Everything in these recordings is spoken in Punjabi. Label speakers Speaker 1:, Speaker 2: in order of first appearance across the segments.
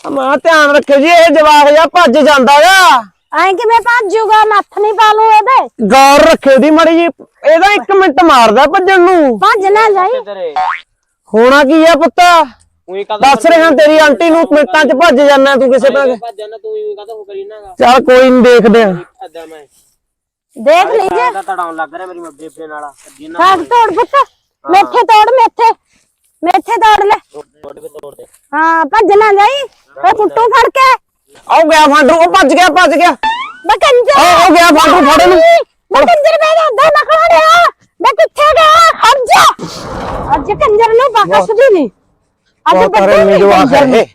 Speaker 1: ਮਾਂ ਧਿਆਨ ਰੱਖਿਓ ਜੀ, ਇਹ ਜਵਾਕ ਜਾ ਭੱਜ ਜਾਂਦਾ ਗਾ।
Speaker 2: ਐ ਕਿਵੇਂ ਭੱਜੂਗਾ? ਨੱਥ ਨਹੀਂ ਪਾ ਲੂ ਇਹਦੇ।
Speaker 1: ਗੌਰ ਰੱਖਿਓ ਦੀ ਮਾੜੀ ਜੀ, ਇਹਦਾ 1 ਮਿੰਟ ਮਾਰਦਾ ਭੱਜਣ ਨੂੰ।
Speaker 2: ਭੱਜ ਨਾ ਜਾਈ।
Speaker 1: ਹੋਣਾ ਕੀ ਆ ਪੁੱਤ? ਦੱਸ ਰਿਹਾ ਤੇਰੀ ਆਂਟੀ ਨੂੰ ਮਿੰਟਾਂ ਚ ਭੱਜ ਜਾਣਾ ਤੂੰ ਕਿਸੇ ਪਾਸੇ। ਚੱਲ ਕੋਈ ਨਹੀਂ, ਦੇਖਦੇ ਆ।
Speaker 2: ਦੇਖ ਲੀਜੇ
Speaker 3: ਤੜਾਉਣ ਲੱਗ ਰਿਹਾ ਮੇਰੀ ਬੇਬੇ ਨਾਲ।
Speaker 2: ਸਾਗ ਤੋੜ ਪੁੱਤ, ਮੇਥੇ ਤੋੜ, ਮੇਥੇ ਤੋੜ ਲੈ। ਹਾਂ ਭੱਜ ਨਾ ਜਾਈ, ਉਹ ਪੁੱਟੂ ਫੜ ਕੇ।
Speaker 1: ਆਉ ਗਿਆ ਫਾਂਡੂ, ਉਹ ਭੱਜ ਗਿਆ
Speaker 2: ਮੈਂ ਕੰਜਰ
Speaker 1: ਆ ਗਿਆ ਫਾਂਡੂ, ਫੜ ਨੂੰ।
Speaker 2: ਮੈਂ ਕੰਜਰ ਮੇਰਾ ਅੱਧਾ ਨਾ ਖੜਿਆ। ਮੈਂ ਕਿੱਥੇ ਗਿਆ? ਖੜ ਜਾ। ਅੱਜ ਕੰਜਰ ਨੂੰ ਬਖਸ਼ਦੀ ਨਹੀਂ। ਅੱਜ ਬੱਡੇ ਨਹੀਂ ਜਵਾਕ ਹੈ।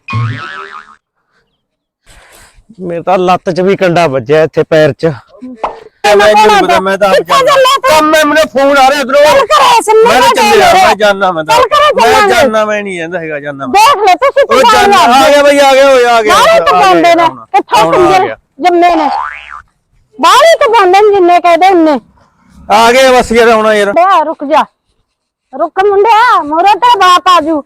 Speaker 1: ਮੇਰੇ ਤਾਂ ਲੱਤ 'ਚ ਵੀ ਕੰਡਾ ਵੱਜਿਆ, ਇੱਥੇ ਪੈਰ 'ਚ।
Speaker 4: ਮੈਂ ਤਾਂ ਮੈਨੂੰ ਫੋਨ ਆ ਰਿਹਾ ਉਧਰੋਂ। ਮੈਂ ਜਾਨਣਾ, ਮੈਂ ਜਾਨਣਾ, ਮੈਂ ਨਹੀਂ ਜਾਂਦਾ ਹੈਗਾ, ਜਾਨਣਾ।
Speaker 2: ਦੇਖ ਲੈ ਤੁਸੀਂ
Speaker 4: ਉਹ ਜਾਨਣਾ ਆ ਗਿਆ ਬਈ, ਆ ਗਿਆ
Speaker 2: ਬਾਹਰ ਤੋਂ ਬੰਦੇ ਨੇ ਕਿੱਥੋਂ ਕੰਜਰ ਜੰਮੇ ਨੇ। ਬਾਹਰ ਤੋਂ ਬੰਦੇ ਨੇ ਜਿੰਨੇ ਕਹਦੇ ਉਹਨੇ
Speaker 4: ਆ ਗਏ। ਬਸ ਯਾਰ ਹੁਣ ਯਾਰ
Speaker 2: ਬੇ ਰੁਕ ਜਾ, ਰੁਕ ਮੁੰਡਿਆ, ਮੋਰੇ ਤੇ ਬਾਪ ਆਜੂ।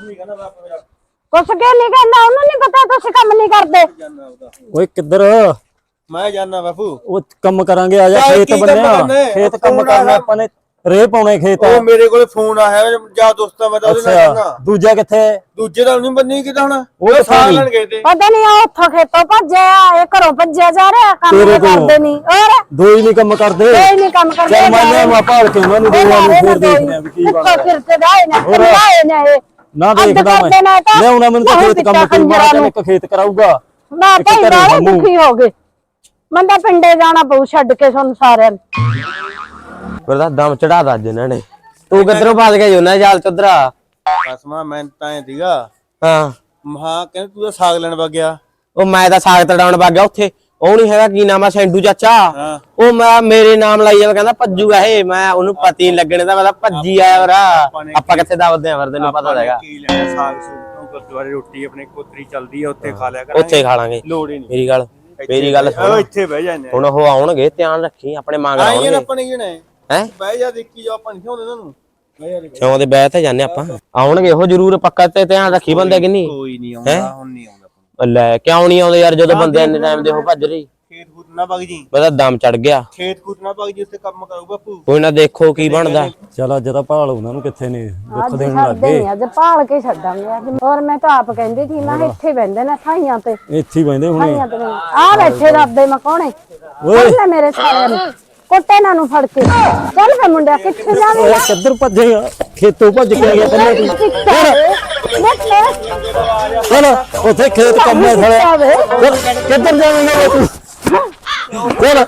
Speaker 2: ਕੁਛ ਕੇ ਨਹੀਂ ਕਹਿੰਦਾ, ਉਹਨੂੰ ਨਹੀਂ ਪਤਾ ਤੁਸੀਂ ਕੰਮ ਨਹੀਂ ਕਰਦੇ।
Speaker 5: ਓਏ ਕਿੱਧਰ?
Speaker 4: ਮੈਂ ਜਾਨਣਾ ਬਾਪੂ।
Speaker 5: ਉਹ ਕੰਮ ਕਰਾਂਗੇ, ਆ ਜਾ ਖੇਤ ਬੰਨਿਆ। ਖੇਤ ਕੰਮ ਕਰਨਾ ਆਪਾਂ ਨੇ, ਰੇ ਪਾਉਣੇ ਖੇਤ।
Speaker 4: ਉਹ ਮੇਰੇ ਕੋਲੇ ਫੋਨ ਆਇਆ ਜਾ ਦੋਸਤਾਂ, ਮੈਂ ਤਾਂ ਉਹਦੇ ਨਾਲ ਜਾਣਾ।
Speaker 5: ਦੂਜਾ ਕਿੱਥੇ?
Speaker 4: ਦੂਜੇ ਦਾ ਨਹੀਂ ਬੰਨੀ ਕਿਦਾਂ ਹੁਣ?
Speaker 5: ਉਹ
Speaker 4: ਸਾਗ ਲੈਣ ਗਏ ਤੇ।
Speaker 2: ਪਤਾ ਨਹੀਂ ਆ ਉੱਥੋਂ ਖੇਤੋਂ ਭੱਜਿਆ, ਇਹ ਘਰੋਂ ਭੱਜਿਆ ਜਾ ਰਿਹਾ। ਕੰਮ ਨਹੀਂ ਕਰਦੇ ਨਹੀਂ। ਹੋਰ
Speaker 5: ਦੋ ਹੀ ਨਹੀਂ ਕੰਮ ਕਰਦੇ।
Speaker 2: ਕੋਈ ਨਹੀਂ ਕੰਮ ਕਰਦੇ।
Speaker 5: ਚੱਲ ਮੈਂ ਮਾ ਭਾਲ ਕੇ ਉਹਨਾਂ ਨੂੰ ਦੋਵਾਂ ਨੂੰ ਫੇਰ ਦੇਖਦੇ ਆ ਵੀ ਕੀ ਬਣਦਾ।
Speaker 2: ਫਿਰ ਤੇ ਗਾਏ ਨਾ ਇਹ
Speaker 5: ਨਾ ਦੇਖਦਾ ਮੈਂ ਲਿਆਉਣਾ, ਮੈਨੂੰ ਤਾਂ ਖੇਤ ਕੰਮ ਕੋਈ ਮਾਰਾ ਇੱਕ ਖੇਤ ਕਰਾਊਗਾ
Speaker 2: ਨਾ। ਭਾਈ ਬਾਹਰ ਦੁਖੀ ਹੋ ਗਏ। ਮੰਦਾ ਪਿੰਡੇ ਜਾਣਾ ਪਊ ਛੱਡ ਕੇ ਤੁਹਾਨੂੰ ਸਾਰਿਆਂ ਨੂੰ।
Speaker 3: ਫਿਰ ਤਾਂ ਦਮ ਚੜਾਦਾ ਅੱਜ ਇਹਨਾਂ ਨੇ। ਤੂੰ ਕਿੱਧਰੋਂ ਭੱਜ ਗਿਆ ਜੋਨਾ ਜਾਲ ਚੁੱਧਰਾ?
Speaker 4: ਕਸਮਾ ਮੈਂ ਤਾਂ ਐ ਸੀਗਾ।
Speaker 3: ਹਾਂ
Speaker 4: ਮਹਾ ਕਹਿੰਦਾ ਤੂੰ ਤਾਂ ਸਾਗ ਲੈਣ ਵਗ ਗਿਆ।
Speaker 3: ਉਹ ਮੈਂ ਤਾਂ ਸਾਗ ਤੜਾਉਣ ਵਗ ਗਿਆ ਉੱਥੇ। ਉਹ ਨਹੀਂ ਹੈਗਾ ਕੀ ਨਾਮ ਆ, ਸੈਂਡੂ ਚਾਚਾ।
Speaker 4: ਹਾਂ
Speaker 3: ਉਹ ਮੈਂ ਮੇਰੇ ਨਾਮ ਲਾਈ ਜਾਵੇ, ਕਹਿੰਦਾ ਭੱਜੂਗਾ ਇਹ। ਮੈਂ ਉਹਨੂੰ ਪਤਾ ਹੀ ਲੱਗਣੇ ਦਾ, ਮੈਂ ਤਾਂ ਭੱਜੀ ਆਇਆ ਵਰਾ। ਆਪਾਂ ਕਿੱਥੇ ਦੱਬਦੇ ਆ, ਫਿਰ ਤੈਨੂੰ ਪਤਾ ਹੈਗਾ।
Speaker 4: ਕੀ ਲੈਣਾ ਸਾਗ ਸੂਗ, ਗੁਰਦੁਆਰੇ ਰੋਟੀ ਆਪਣੇ ਕੋਤਰੀ ਚੱਲਦੀ ਆ, ਉੱਥੇ ਖਾ ਲਿਆ ਕਰ।
Speaker 3: ਉੱਥੇ ਖਾ ਲਾਂਗੇ।
Speaker 4: ਲੋੜ ਹੀ ਨਹੀਂ।
Speaker 3: ਮੇਰੀ ਗੱਲ ਸੁਣ,
Speaker 4: ਇੱਥੇ ਬਹਿ ਜਾਂਦੇ
Speaker 3: ਹੁਣ ਉਹ ਆਉਣਗੇ, ਧਿਆਨ ਰੱਖੀ ਆਪਣੇ ਮੰਗ ਆਉਣਗੇ।
Speaker 4: ਆਪਾਂ ਨਹੀਂ ਜਣੇ
Speaker 3: ਹੈ
Speaker 4: ਬਹਿ ਜਾ, ਦੇਖੀ ਜਾ, ਆਪਾਂ ਨਹੀਂ ਹੁੰਦੇ ਇਹਨਾਂ ਨੂੰ।
Speaker 3: ਕਿਉਂ ਦੇ ਬਹਿ ਤੇ ਜਾਂਦੇ ਆਪਾਂ। ਆਉਣਗੇ ਉਹ ਜ਼ਰੂਰ, ਪੱਕਾ ਤੇ ਧਿਆਨ ਰੱਖੀ ਬੰਦੇ ਕਿ ਨਹੀਂ।
Speaker 4: ਕੋਈ ਨਹੀਂ ਆਉਂਦਾ, ਹੁਣ ਨਹੀਂ ਆਉਂਦਾ।
Speaker 3: ਲੈ ਕਿਉਂ ਨਹੀਂ ਆਉਂਦੇ ਯਾਰ, ਜਦੋਂ ਬੰਦੇ ਇੰਨੇ ਟਾਈਮ ਦੇ ਉਹ ਭੱਜ ਰਹੀ।
Speaker 4: ਖੇਤ ਖੂਤ ਨਾ ਵਗ ਜੀ,
Speaker 3: ਬਸ ਦਮ ਚੜ ਗਿਆ।
Speaker 4: ਖੇਤ ਖੂਤ ਨਾ ਵਗ ਜੀ, ਉੱਥੇ ਕੰਮ ਕਰੂ ਬਾਪੂ।
Speaker 3: ਕੋਈ ਨਾ ਦੇਖੋ ਕੀ ਬਣਦਾ।
Speaker 5: ਚਲ ਅੱਜ ਤਾਂ ਭਾਲ ਉਹਨਾਂ ਨੂੰ ਕਿੱਥੇ ਨੇ, ਦੁੱਖ ਦੇਣ ਲੱਗ
Speaker 2: ਛੱਡਦੇ
Speaker 5: ਗਏ।
Speaker 2: ਨਹੀਂ, ਅੱਜ ਭਾਲ ਕੇ ਛੱਡਾਂਗੇ ਅੱਜ। ਹੋਰ ਮੈਂ ਤਾਂ ਆਪ ਕਹਿੰਦੀ ਸੀ, ਮੈਂ ਇੱਥੇ ਬੈੰਦੇ ਨੇ ਥਾਈਆਂ ਤੇ।
Speaker 5: ਇੱਥੇ ਹੀ ਬੈਂਦੇ ਹੁਣੇ।
Speaker 2: ਆ ਬੈਠੇ ਰੱਬੇ ਮਕਾਉਣੇ। ਓਏ ਮੇਰੇ ਸਾਰਿਆਂ ਨੂੰ ਕੋਟੇ ਨਾਲ ਨੂੰ ਫੜ ਕੇ ਚੱਲ ਵੇ ਮੁੰਡਿਆ, ਕਿੱਥੇ ਜਾਵੇਂਗਾ?
Speaker 5: ਕਿੱਧਰ ਭੱਜੇਗਾ? ਖੇਤੋਂ ਭੱਜ ਕੇ ਗਿਆ ਪਹਿਲਾਂ ਤੂੰ। ਚਲ ਉੱਥੇ ਖੇਤ ਕੰਮ ਹੈ ਸਾਲੇ। ਕਿੱਧਰ ਜਾਵੇਂਗਾ ਤੂੰ? ਚਲ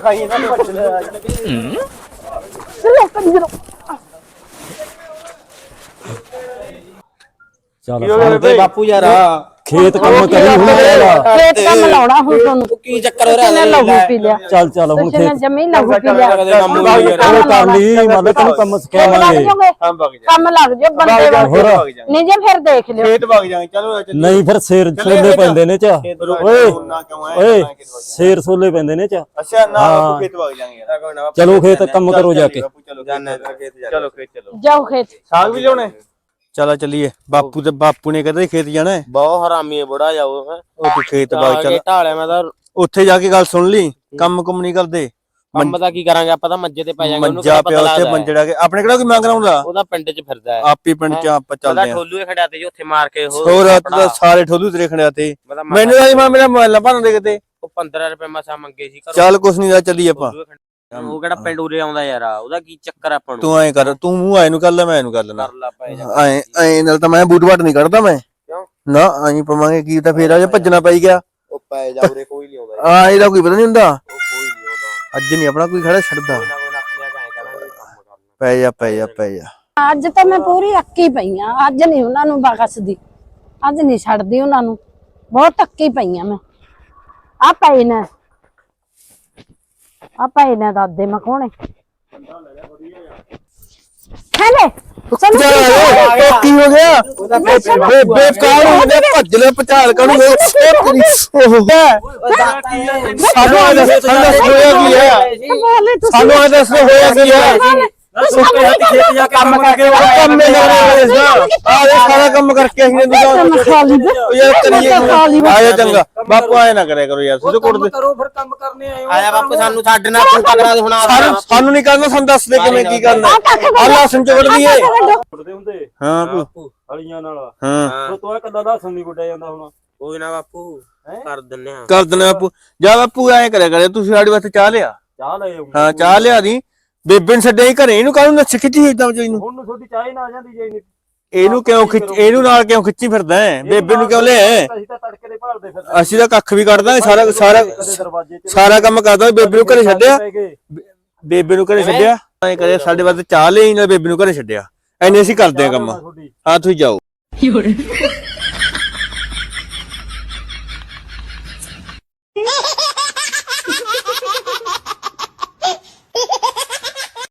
Speaker 3: ਚੱਲ ਬਾਪੂ ਯਾਰ,
Speaker 5: ਖੇਤ ਕੰਮ ਕਰੀ ਹੁਣ ਮੇਰਾ।
Speaker 2: ਖੇਤ ਕੰਮ ਲਾਉਣਾ ਹੁਣ ਤੁਹਾਨੂੰ।
Speaker 3: ਕੀ ਚੱਕਰ ਹੋ ਰਿਹਾ?
Speaker 2: ਲਹੂ ਪੀ ਲਿਆ।
Speaker 5: ਚੱਲ ਹੁਣ
Speaker 2: ਖੇਤ ਜਮੀ ਲਹੂ ਪੀ ਲਿਆ।
Speaker 5: ਉਹ ਕਰ ਲਈ, ਮਤਲਬ ਤੈਨੂੰ ਕੰਮ ਸਿਖਾਵਾਂਗੇ।
Speaker 2: ਕੰਮ ਲੱਗ ਜਾ ਬੰਦੇ ਵਾਂਗ। ਨਹੀਂ ਜੇ ਫਿਰ ਦੇਖ ਲਿਓ।
Speaker 4: ਖੇਤ ਵਗ ਜਾਵਾਂਗੇ। ਚਲੋ
Speaker 5: ਨਹੀਂ ਫਿਰ ਸ਼ੇਰ ਸੋਲੇ ਪੈਂਦੇ ਨੇ ਚ। ਓਏ ਸ਼ੇਰ ਸੋਲੇ ਪੈਂਦੇ ਨੇ ਚ।
Speaker 4: ਅੱਛਾ ਨਾ ਬਾਪੂ, ਖੇਤ ਵਗ ਜਾਵਾਂਗੇ।
Speaker 5: ਚਲੋ ਖੇਤ ਕੰਮ ਕਰੋ ਜਾ ਕੇ।
Speaker 4: ਚਲੋ ਖੇਤ ਚਲੋ।
Speaker 2: ਜਾਓ ਖੇਤ।
Speaker 4: ਸਾਗ ਵੀ ਲਿਆਉਣਾ। ਚਲੋ ਚੱਲੀਏ। ਬਾਪੂ ਨੇ ਕਹਿੰਦਾ ਖੇਤ ਜਾਣਾ ਹੈ।
Speaker 3: ਬਹੁਤ ਹਰਾਮੀ ਹੈ ਬੁੜਾ ਜਾਓ।
Speaker 4: ਉਹ ਤੂੰ ਖੇਤ ਵਗ ਚੱਲ।
Speaker 3: ਢਾਲਿਆ ਮੈਂ ਤਾਂ
Speaker 4: ਉੱਥੇ ਜਾ ਕੇ ਗੱਲ ਸੁਣ ਲਈ, ਕੰਮ ਕੁਮ ਨਹੀਂ ਕਰਦੇ।
Speaker 3: ਕੰਮ ਤਾਂ ਕੀ ਕਰਾਂਗੇ ਆਪਾਂ, ਤਾਂ ਮੰਜੇ ਤੇ ਪੈ ਜਾਾਂਗੇ।
Speaker 4: ਮੰਜਾ ਪਿਆ ਉੱਥੇ ਮੰਜੜਾ ਕੇ ਆਪਣੇ ਕਿਹੜਾ ਕੋਈ ਮੰਗ ਲਾਉਂਦਾ।
Speaker 3: ਉਹਦਾ ਪਿੰਡ 'ਚ ਫਿਰਦਾ ਹੈ।
Speaker 4: ਆਪੀ ਪਿੰਡ 'ਚ ਆਪਾਂ ਚੱਲਦੇ ਆ।
Speaker 3: ਠੋਲੂ ਖੜਿਆ ਤੇ ਉੱਥੇ ਮਾਰ ਕੇ
Speaker 4: ਹੋਰ ਤਾਂ ਸਾਰੇ ਠੋਲੂ ਤੇਰੇ ਖੜਿਆ ਤੇ। ਮੈਨੂੰ ਤਾਂ ਮੇਰਾ ਮੋਬਾਈਲ ਭੰਨ ਦੇ ਕਿਤੇ।
Speaker 3: ਉਹ 15 ਰੁਪਏ ਮਸਾ ਮੰਗੇ ਸੀ।
Speaker 4: ਚੱਲ ਕੁਛ ਨਹੀਂ ਦਾ, ਚੱਲੀ ਆਪਾਂ।
Speaker 3: ਉਹ ਕਿਹੜਾ ਪਿੰਡ ਉਰੇ ਆਉਂਦਾ ਯਾਰ, ਉਹਦਾ ਕੀ ਚੱਕਰ ਆਪਾਂ ਨੂੰ।
Speaker 4: ਤੂੰ ਐਂ ਕਰ, ਤੂੰ ਮੂੰਹ ਆਏ ਨੂੰ ਕਰ ਲੈ, ਮੈਂ ਇਹਨੂੰ ਕਰ ਲੈਣਾ।
Speaker 3: ਕਰ ਲਾ ਪਏ ਜਾ।
Speaker 4: ਐਂ ਨਾਲ ਤਾਂ ਮੈਂ ਬੂਟ ਬਾਟ ਨਹੀਂ ਕੱਢਦਾ ਮੈਂ।
Speaker 3: ਕਿਉਂ
Speaker 4: ਨਾ ਐਂ ਪਵਾਂਗੇ ਕੀ ਤਾਂ ਫੇਰ ਆ ਜੇ ਭੱਜਣਾ ਪਈ ਗਿਆ।
Speaker 3: ਉਹ ਪੈ ਜਾ, ਉਰੇ ਕੋਈ ਨਹੀਂ ਆਉਂਦਾ।
Speaker 4: ਆ ਇਹਦਾ ਕੋਈ ਪਤਾ ਨਹੀਂ ਹੁੰਦਾ।
Speaker 3: ਉਹ ਕੋਈ ਨਹੀਂ ਆਉਂਦਾ।
Speaker 4: ਅੱਜ ਨਹੀਂ ਆਪਣਾ ਕੋਈ ਖੜਾ ਛੱਡਦਾ।
Speaker 3: ਕੋਈ ਨਾ ਆਪਣੇ ਆਪ ਐਂ ਕਰਾਂਗੇ, ਕੰਮ ਕਰਨਾ।
Speaker 4: ਪੈ ਜਾ।
Speaker 2: ਅੱਜ ਤਾਂ ਮੈਂ ਪੂਰੀ ਅੱਕੀ ਪਈ ਆ। ਅੱਜ ਨਹੀਂ ਉਹਨਾਂ ਨੂੰ ਬਖਸ਼ਦੀ, ਅੱਜ ਨਹੀਂ ਛੱਡਦੀ ਉਹਨਾਂ ਨੂੰ। ਬਹੁਤ ਅੱਕੀ ਪਈ ਆ ਮੈਂ। ਆ ਪਈ ਨੇ, ਆ ਪਈ ਨੇ ਦਾਦੇ ਮਖੋਣੇ। ਹੈਲੇ
Speaker 4: ਕੀ ਹੋ ਗਿਆ? ਬੇਕਾਰ ਹੋ ਗਿਆ, ਭੱਜ ਲੈ ਪਚਾਲ ਕਾਨੂੰ। ਸਾਨੂੰ ਆ ਦੱਸ ਹੋਇਆ ਕੀ ਹੈ? ਸਾਨੂੰ ਆ ਦੱਸ ਹੋਇਆ ਕੀ ਹੈ? ਸੁੱਕੇ ਹੱਥ ਖੇਤ ਜਾ ਕੇ ਕੰਮ ਕਰਕੇ ਕੰਮੇ ਲਾਉਣੇ ਇਸ ਆ ਇਹ ਸਾਰਾ ਕੰਮ ਕਰਕੇ ਅਸੀਂ ਦੁਕਾਨ ਯਾਰ ਕਰੀਏ ਆਇਆ ਚੰਗਾ ਬਾਪੂ ਆਏ ਨਾ ਕਰਿਆ ਕਰੋ ਯਾਰ ਸਿੱਧੇ ਕੁੱਟਦੇ
Speaker 6: ਕਰੋ ਫਿਰ ਕੰਮ ਕਰਨੇ ਆਏ
Speaker 3: ਆਇਆ ਬਾਪੂ ਸਾਨੂੰ ਛੱਡ ਨਾ ਤੂੰ ਪਕੜਾ ਦੇ ਹੁਣ
Speaker 4: ਸਾਨੂੰ ਨਹੀਂ ਕਰਨਾ ਸਾਨੂੰ ਦੱਸ ਦੇ ਕਿਵੇਂ ਕੀ ਕਰਨਾ ਅੱਲਾ ਸੰਚੋੜ ਦੀਏ
Speaker 6: ਕੁੱਟਦੇ ਹੁੰਦੇ
Speaker 4: ਹਾਂ
Speaker 6: ਹਲੀਆਂ ਨਾਲ
Speaker 4: ਹਾਂ
Speaker 6: ਤੂੰ ਕੱਲਾ ਲਸਣ ਨਹੀਂ ਕੁੱਟਿਆ ਜਾਂਦਾ ਹੁਣ
Speaker 3: ਕੋਈ ਨਾ ਬਾਪੂ ਕਰ ਦਿੰਨੇ ਆ
Speaker 4: ਕਰ ਦਿੰਦੇ ਬਾਪੂ ਜਾ ਬਾਪੂ ਐ ਕਰਿਆ ਕਰੇ ਤੁਸੀਂ ਸਾਡੇ ਵਾਸਤੇ ਚਾਹ ਲਿਆ
Speaker 6: ਚਾਹ ਲੈ ਆਉਂਗਾ
Speaker 4: ਹਾਂ ਚਾਹ ਲਿਆ ਦੀ ਬੇਬੇ ਨੂੰ ਛੱਡਿਆ ਹੀ ਘਰੇ ਇਹਨੂੰ ਕਾਹਨੂੰ ਨੱਚ ਖਿੱਚੀ ਇਦਾਂ ਇਹਨੂੰ
Speaker 6: ਹੁਣ ਨੂੰ ਤੁਹਾਡੀ ਚਾਹ ਹੀ ਨਾ ਆ ਜਾਂਦੀ ਜੇ ਨਹੀਂ
Speaker 4: ਇਹਨੂੰ ਕਿਉਂ ਇਹਨੂੰ ਨਾਲ ਕਿਉਂ ਖਿੱਚੀ ਫਿਰਦਾ ਹੈ ਬੇਬੇ ਨੂੰ ਕਿਉਂ ਲਿਆ
Speaker 6: ਅਸੀਂ ਤਾਂ ਤੜਕੇ ਦੇ ਭਾਲਦੇ ਫਿਰ
Speaker 4: ਅਸੀਂ ਤਾਂ ਕੱਖ ਵੀ ਕੱਢਦਾ
Speaker 6: ਦਰਵਾਜ਼ੇ ਤੇ
Speaker 4: ਸਾਰਾ ਕੰਮ ਕਰਦਾ ਬੇਬੇ ਨੂੰ ਘਰੇ ਛੱਡਿਆ ਬੇਬੇ ਨੂੰ ਘਰੇ ਛੱਡਿਆ ਐ ਕਰੇ ਸਾਡੇ ਵਾਸਤੇ ਚਾਹ ਲਈ ਨਾਲ ਬੇਬੇ ਨੂੰ ਘਰੇ ਛੱਡਿਆ ਐਨੇ ਅਸੀਂ ਕਰਦੇ ਆ ਕੰਮ ਹਾਂ ਤੁਸੀਂ ਜਾਓ
Speaker 2: Ha